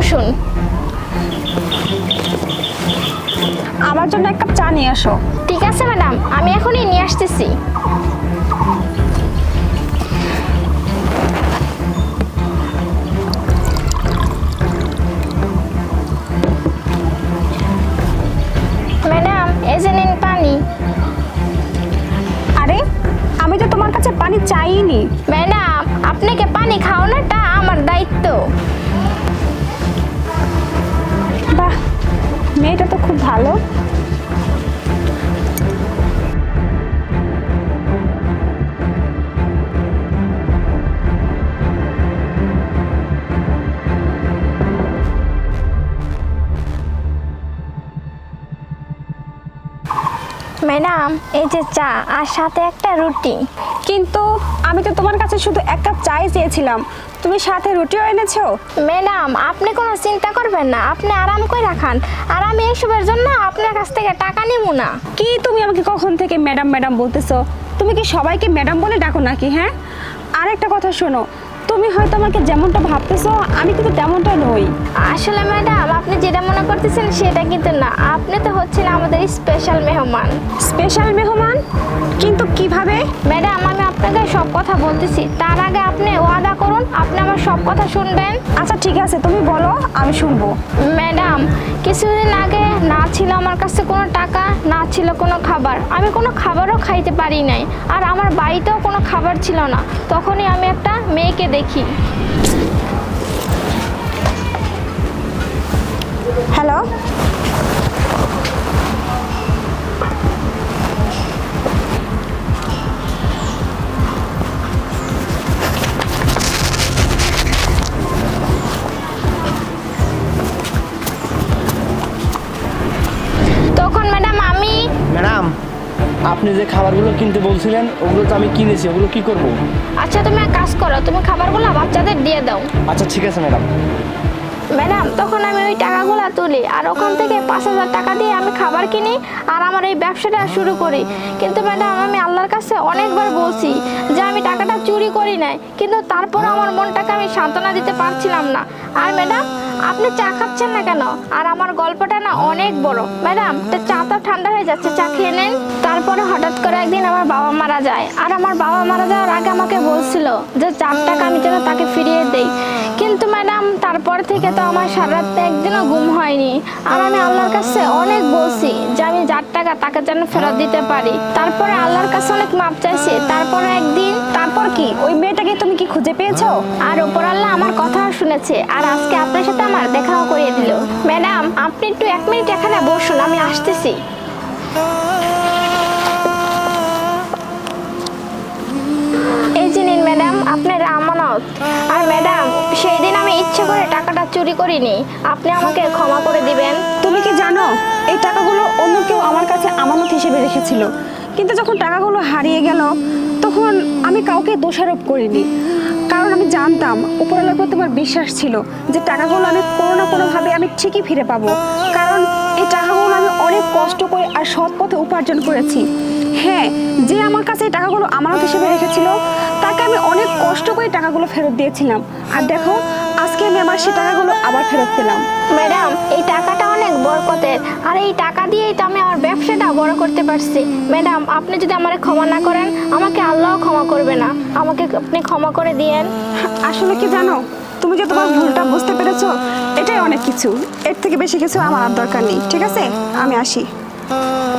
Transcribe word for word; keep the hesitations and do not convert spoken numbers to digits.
বসুন। আমার জন্য এক কাপ চা নিয়ে আসো। ঠিক আছে ম্যাডাম, আমি এখনই নিয়ে আসতেছি। ম্যাডাম, এই যে নিন পানি। আরে আমি তো তোমার কাছে পানি চাইনি। ম্যাডাম, আপনাকে পানি খাওয়ানোটা আমার দায়িত্ব। বাহ, মেয়েটা তো খুব ভালো। ম্যাডাম, এই যে চা আর সাথে একটা রুটি। কিন্তু আমি তো তোমার কাছে শুধু এক কাপ চাই চেয়েছিলাম, তুমি সাথে রুটিও এনেছো। ম্যাডাম, আপনি কোনো চিন্তা করবেন না, আপনি আরাম করে রাখান। আর আমি এইসবের জন্য আপনার কাছ থেকে টাকা নিব না। কি তুমি আমাকে কখন থেকে ম্যাডাম ম্যাডাম বলতেছো? তুমি কি সবাইকে ম্যাডাম বলে ডাকো নাকি? হ্যাঁ, আর একটা কথা শোনো, তুমি হয়তো আমাকে যেমনটা ভাবতেছো আমি কিন্তু তেমনটা নই। আসলে ম্যাডাম, আপনি যেটা মনে করতেছেন সেটা কিন্তু না, আপনি তো হচ্ছেন আমাদের স্পেশাল মেহমান। স্পেশাল মেহমান? কিন্তু কিভাবে? ম্যাডাম, আমি আপনাকে সব কথা বলতেছি, তার আগে আপনি ওয়াদা করুন আপনি আমার সব কথা শুনবেন। আচ্ছা ঠিক আছে, তুমি বলো, আমি শুনবো। ম্যাডাম, কিছুদিন আগে না ছিল আমার কাছে কোনো টাকা, না ছিল কোনো খাবার, আমি কোনো খাবারও খাইতে পারি নাই। আর আমার বাড়িতেও কোনো খাবার ছিল না। তখনই আমি একটা মেয়েকে দেখি। হ্যালো, তখন ম্যাডাম আমি ম্যাডাম, আপনি যে খাবারগুলো কিনতে বলছিলেন ওগুলো তো আমি কিনেছি, ওগুলো কি করব? আচ্ছা তুমি এক কাজ করো, তুমি খাবারগুলো বাচ্চাদের দিয়ে দাও। আচ্ছা ঠিক আছে ম্যাডাম। ম্যাডাম, তখন আমি ওই টাকাগুলো তুলি আর ওখান থেকে পাঁচ হাজার টাকা দিয়ে আমি খাবার কিনি আর আমার এই ব্যবসাটা শুরু করি। কিন্তু ম্যাডাম, আমি আল্লাহর কাছে অনেকবার বলছি যে আমি টাকাটা চুরি করি নাই, কিন্তু তারপর আমার মনটাকে আমি সান্ত্বনা দিতে পারছিলাম না। আর ম্যাডাম, আপনি চা খাচ্ছেন না কেন? আর আমার গল্পটা না অনেক বড়। ম্যাডাম, চাটা ঠান্ডা হয়ে যাচ্ছে, চা খেয়ে নেন। তারপরে হঠাৎ করে একদিন আমার বাবা মারা যায়। আর আমার বাবা মারা যাওয়ার আগে আমাকে বলছিল যে চার টাকা আমি যেন তাকে ফিরিয়ে দেই। কিন্তু ম্যাডাম, তারপর থেকে তো আমার সারা রাত একদিনও ঘুম হয়নি। আর আমি আল্লাহর কাছে অনেক বলছি যে আমি যার টাকা তাকে যেন ফেরত দিতে পারি। তারপরে আল্লাহর কাছে অনেক মাপ চাইছি। তারপরে একদিন তারপর কি ওই মেয়েটাকে তুমি কি খুঁজে পেয়েছো? আর উপর আল্লাহ আমার কথা শুনেছে আর আজকে আপনার সাথে আমার দেখাও করিয়ে দিল। ম্যাডাম, আপনি একটু এক মিনিট এখানে বসুন, আমি আসতেছি। এই যে নিন ম্যাডাম আপনার আমানত। আর ম্যাডাম, সেই দিন আমি ইচ্ছে করে টাকাটা চুরি করিনি, আপনি আমাকে ক্ষমা করে দিবেন। তুমি কি জানো এই টাকাগুলো অন্য কেউ আমার কাছে আমানত হিসেবে রেখেছিল, কিন্তু যখন টাকাগুলো হারিয়ে গেল তখন আমি কাউকে দোষারোপ করিনি, কারণ আমি জানতাম উপরওয়ালার প্রতি আমার বিশ্বাস ছিল যে টাকাগুলো আমি কোনো না কোনোভাবে আমি ঠিকই ফিরে পাবো, কারণ এই টাকাগুলো আমি অনেক কষ্ট করে আর সৎ পথে উপার্জন করেছি। হ্যাঁ, যে আমার কাছে এই টাকাগুলো আমানত হিসেবে রেখেছিল তাকে আমি অনেক কষ্ট করে টাকাগুলো ফেরত দিয়েছিলাম। আর দেখো, আজকে আমি আমার সেই টাকাগুলো আবার ফেরত পেলাম। ম্যাডাম, এই টাকাটা অনেক বরকতের, আর এই টাকা দিয়েই তো আমি আমার ব্যবসাটা বড় করতে পারছি। ম্যাডাম, আপনি যদি আমারে ক্ষমা না করেন আমাকে আল্লাহ ক্ষমা করবে না, আমাকে আপনি ক্ষমা করে দিয়েন। আসলে কি জানো, তুমি যে তোমার ভুলটা বুঝতে পেরেছো এটাই অনেক কিছু, এর থেকে বেশি কিছু আমার আর দরকার নেই। ঠিক আছে, আমি আসি।